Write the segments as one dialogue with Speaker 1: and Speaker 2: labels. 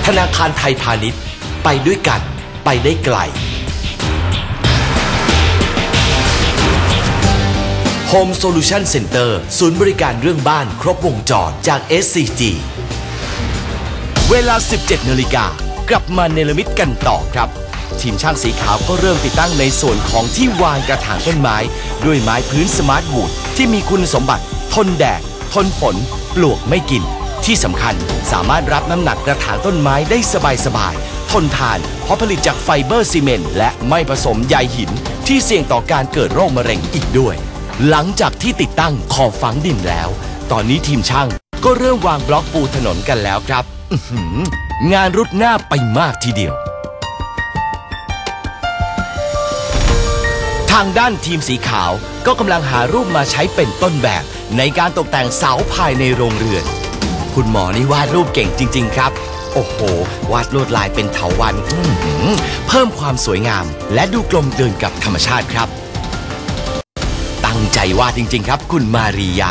Speaker 1: ธนาคารไทยพาณิชย์ไปด้วยกันไปได้ไกล Home Solution Center ศูนย์บริการเรื่องบ้านครบวงจรจาก SCG เวลา 17 นาฬิกากลับมาเนรมิตกันต่อครับทีมช่างสีขาวก็เริ่มติดตั้งในส่วนของที่วางกระถางต้นไม้ด้วยไม้พื้นสมาร์ทวูดที่มีคุณสมบัติทนแดดทนฝนปลวกไม่กินที่สำคัญสามารถรับน้ำหนักกระถางต้นไม้ได้สบายๆทนทานเพราะผลิตจากไฟเบอร์ซีเมนต์และไม่ผสมใยหินที่เสี่ยงต่อการเกิดโรคมะเร็งอีกด้วยหลังจากที่ติดตั้งขอบฝังดินแล้วตอนนี้ทีมช่างก็เริ่มวางบล็อกปูถนนกันแล้วครับงานรุดหน้าไปมากทีเดียวทางด้านทีมสีขาวก็กำลังหารูปมาใช้เป็นต้นแบบในการตกแต่งเสาภายในโรงเรือนคุณหมอนี่วาดรูปเก่งจริงๆครับโอ้โหวาดลวดลายเป็นเถาวัลย์เพิ่มความสวยงามและดูกลมกลืนกับธรรมชาติครับตั้งใจวาดจริงๆครับคุณมาริยา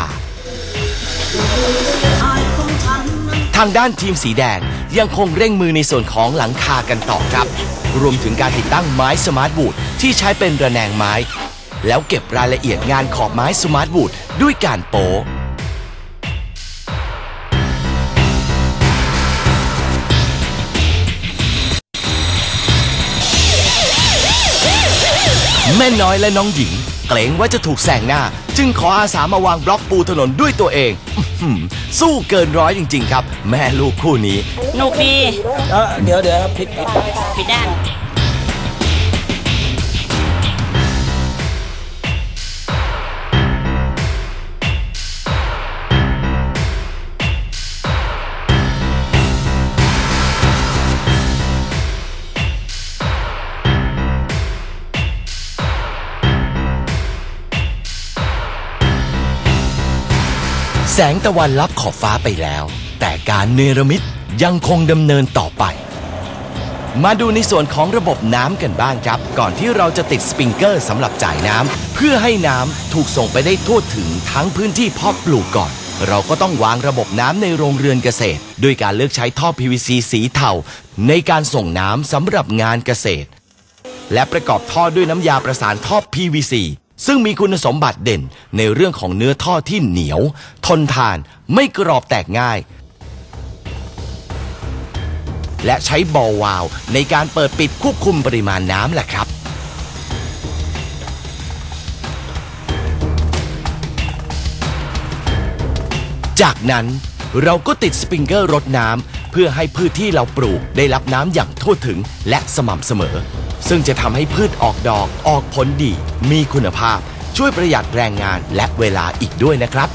Speaker 1: ทางด้านทีมสีแดงยังคงเร่งมือในส่วนของหลังคากันต่อครับรวมถึงการติดตั้งไม้สมาร์ทวูดที่ใช้เป็นระแนงไม้แล้วเก็บรายละเอียดงานขอบไม้สมาร์ทวูดด้วยการโป๊แม่น้อยและน้องหญิงเกรงว่าจะถูกแซงหน้าจึงขออาสามาวางบล็อกปูถนนด้วยตัวเองสู้เกินร้อยจริงๆครับแม่ลูกคู่นี้
Speaker 2: หนุกดี
Speaker 3: เดี๋ยวพลิก
Speaker 2: ด้าน
Speaker 1: แสงตะวันลับขอบฟ้าไปแล้วแต่การเนรมิตยังคงดำเนินต่อไปมาดูในส่วนของระบบน้ำกันบ้างครับก่อนที่เราจะติดสปริงเกอร์สำหรับจ่ายน้ำเพื่อให้น้ำถูกส่งไปได้ทั่วถึงทั้งพื้นที่เพาะปลูกก่อนเราก็ต้องวางระบบน้ำในโรงเรือนเกษตรด้วยการเลือกใช้ท่อ PVC สีเทาในการส่งน้ำสำหรับงานเกษตรและประกอบท่อด้วยน้ำยาประสานท่อ PVCซึ่งมีคุณสมบัติเด่นในเรื่องของเนื้อท่อที่เหนียวทนทานไม่กรอบแตกง่ายและใช้บอลวาล์วในการเปิดปิดควบคุมปริมาณน้ำแหละครับจากนั้นเราก็ติดสปริงเกอร์รดน้ำเพื่อให้พืชที่เราปลูกได้รับน้ำอย่างทั่วถึงและสม่ำเสมอซึ่งจะทำให้พืชออกดอกออกผลดีมีคุณภาพช่วยประหยัดแรงงานและเวลาอีกด้วยนะครับ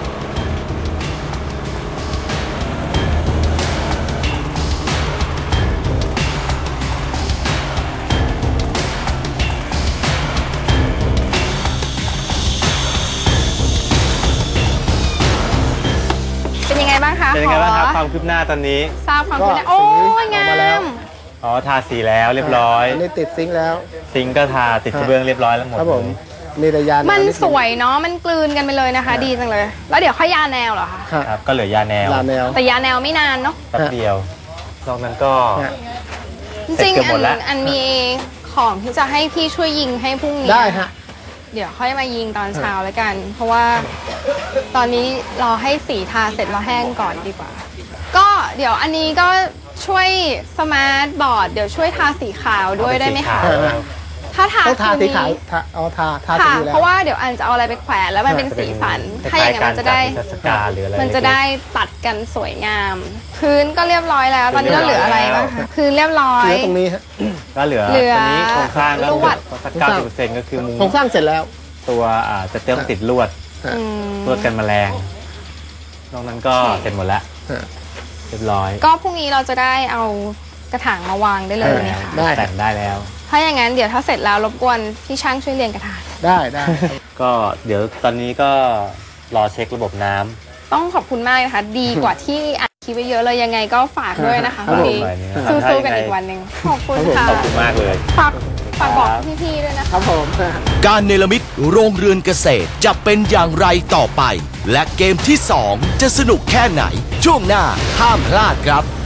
Speaker 2: เป็นยังไงบ้างคะ
Speaker 4: ความคืบหน้าตอนนี้
Speaker 2: ทราบความคืบหน้าโอ้ยงาม
Speaker 4: ทาสีแล้วเรียบร้อย
Speaker 3: อันนี้ติดซิงค์แล้ว
Speaker 4: ซิงค์ก็ทาติดกระเบื้องเรียบร้อยแล้วหมด
Speaker 3: ครับผมมีแต่ยาแนว
Speaker 2: มันสวยเนาะมันกลืนกันไปเลยนะคะดีจังเลยแล้วเดี๋ยวค่อยยาแนวเหรอคะ
Speaker 4: ครับก็เหลือยาแนว
Speaker 2: แต่ยาแนวไม่นานเนาะ
Speaker 4: แป๊บเดียวนอกนั้นก็
Speaker 2: จริงอันมีของที่จะให้พี่ช่วยยิงให้พรุ่งนี้
Speaker 3: ได้ฮะ
Speaker 2: เดี๋ยวค่อยมายิงตอนเช้าแล้วกันเพราะว่าตอนนี้รอให้สีทาเสร็จแล้วแห้งก่อนดีกว่าก็เดี๋ยวอันนี้ก็ช่วยสมาร์ทบอร์ดเดี๋ยวช่วยทาสีขาวด้วยได้ไหมคะถ้าทา
Speaker 3: สีขาวทาสีแล้ว
Speaker 2: เพราะว่าเดี๋ยวอันจะเอาอะไรไปแขวนแล้วมันเป็นสีสันถ้าอย่างนั้นมันจะได้ตัดกันสวยงามพื้นก็เรียบร้อยแล้วตอนนี้เราเหลืออะไรบ้างคะพื้นเรียบร้อย
Speaker 3: ตรงนี้
Speaker 4: ก็เหลือตรงนี้โครงสร้างลวดสัก 90% ก็คือมุง
Speaker 3: โครงสร้างเสร็จแล้ว
Speaker 4: ตัวจะเติมติดลวดกันแมลงนอกนั้นก็เสร็จหมดแล้วเรียบร้อย
Speaker 2: ก็พรุ่งนี้เราจะได้เอากระถางมาวางได้เลยเนี่ยค่ะ
Speaker 4: แต่งได้แล้ว
Speaker 2: ถ้าอย่างนั้นเดี๋ยวถ้าเสร็จแล้วรบกวนพี่ช่างช่วยเรียงกระถาง
Speaker 3: ได้
Speaker 4: ก็เดี๋ยวตอนนี้ก็รอเช็คระบบน้ำ
Speaker 2: ต้องขอบคุณมากนะคะดีกว่าที่อัดคลิปไว้เยอะเลยยังไงก็ฝากด้วยนะคะพี่สู้ๆกันอีกวันหนึ่งขอบคุณค่ะ
Speaker 4: ขอบคุณมากเลย
Speaker 2: ฝากบอกพี่ๆด้วยนะครับ
Speaker 3: ผม
Speaker 1: การเนรมิตโรงเรือนเกษตรจะเป็นอย่างไรต่อไปและเกมที่2จะสนุกแค่ไหนช่วงหน้าห้ามพลาดครับ